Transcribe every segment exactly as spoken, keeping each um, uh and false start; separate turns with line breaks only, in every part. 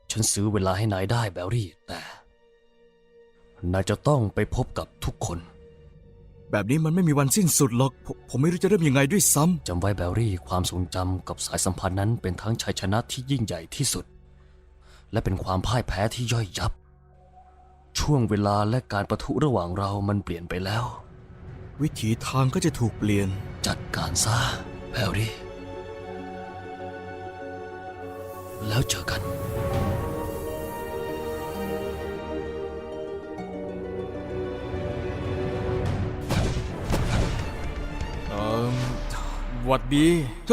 ฉันซื้อเวลาให้นายได้แบร์รี่แต่นายจะต้องไปพบกับทุกคน
แบบนี้มันไม่มีวันสิ้นสุดหรอกผมผมไม่รู้จะเริ่มยังไงด้วยซ้ำ
จำไว้แบร์รี่ความทรงจำกับสายสัมพันธ์นั้นเป็นทั้งชัยชนะที่ยิ่งใหญ่ที่สุดและเป็นความพ่ายแพ้ที่ย่อยยับช่วงเวลาและการประทุระหว่างเรามันเปลี่ยนไปแล้ว
วิถีทางก็จะถูกเปลี่ยน
จัดการซะแบร์รี่แล้วเจอกัน
เอ่อหวัดดี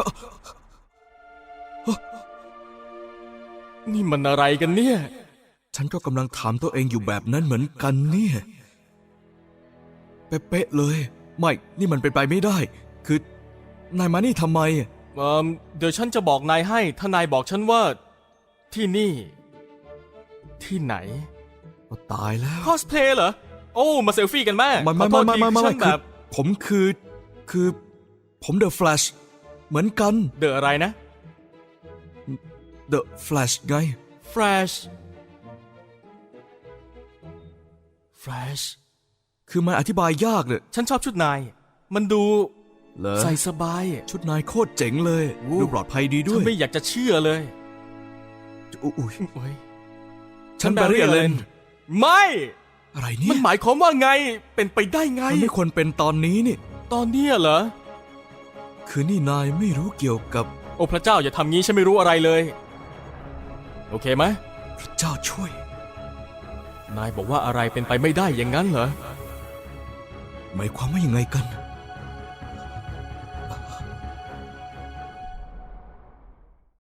นี่มันอะไรกันเนี่ย
ฉันก็กำลังถามตัวเองอยู่แบบนั้นเหมือนกันเนี่ยเป๊ะๆเลยไม่นี่มันเป็นไปไม่ได้คือนายมานี่ทำไม
เอ่อเดี๋ยวฉันจะบอกนายให้ถ้านายบอกฉันว่าที่นี่ ที่ไหน
ก็ตายแล้ว
คอสเพลย์เหรอโอ้มาเซลฟี่กันแม่
ไม่ไม่ไม่ไม่ไม่ไม่คือผมคือคือผมเดอะแฟลชเหมือนกัน
เดอะอะไรนะ
เดอะแฟลชไง
แฟลชแฟลช
คือมันอธิบายยากเลย
ฉันชอบชุดนายมันดูใส่สบาย
ชุดนายโคตรเจ๋งเลยดูปลอดภัยดีด้วย
ฉันไม่อยากจะเชื่อเลย
อุ้ย
ฉันแบร์รี่เลนไม่
อะไรเนี่ย
มันหมายความว่าไงเป็นไปได้ไง
มันไม่ควรเป็นตอนนี้นี่
ตอนนี้เหรอ
คือนี่นายไม่รู้เกี่ยวกับ
โอ้พระเจ้าอย่าทำงี้ฉันไม่รู้อะไรเลยโอเคไหม
พระเจ้าช่วย
นายบอกว่าอะไรเป็นไปไม่ได้อย่างนั้นเหรอ
หมายความว่ายังไงกัน